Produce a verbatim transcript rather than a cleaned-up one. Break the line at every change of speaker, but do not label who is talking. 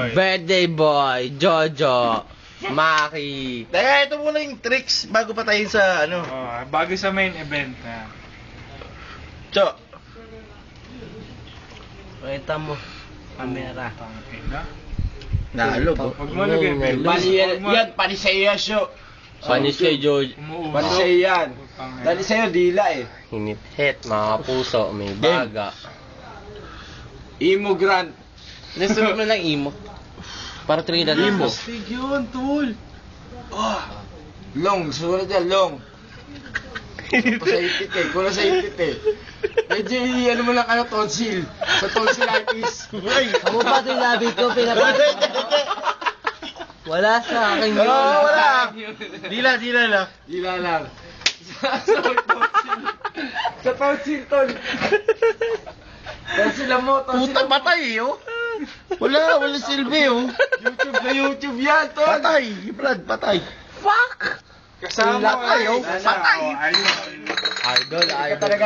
boy.
Birthday boy, Jojo, Maki.
Teka, ito muna yung tricks bago pa tayo sa ano.
Oh, bago sa main event na.
Cho.
Pakita mo, camera.
Tangina.
Nalo po.
Huwag mo lagay
Nalo.
Bill.
Pani yan,
Huwag mo-
yan, pani sa'yo yan, show.
Panis kay Jojo.
Umuusok.
Pani sa'yo yan.
Putang
Dali sa'yo, dila eh.
Hinit-hit, mga puso, may baga.
Imo Grant.
Nasunod mo lang imo. Para Trinidad
Imo.
mo.
Sig yun, tol. Ah. Long, sumunod yan, long. Pasaipit eh, kulang sa ipit eh. Medyo ano mo lang ano, tonsil. Sa tonsillitis.
Ako pa ito yung labi ko, pinapasok. Wala sa akin yun.
Oo, wala. Dila, dila lang.
Dila lang. Sa sa tonsil. Sa tonsil, tol. Tonsil lang mo, tonsil
Puta,
lang mo.
patay eh, oh. Wala, wala silbi, oh.
YouTube na YouTube yan, tol.
Patay, Brad, patay.
Kasama
Patay, oh.
Patay.
Patay.
Oh, ayun.
Idol, idol.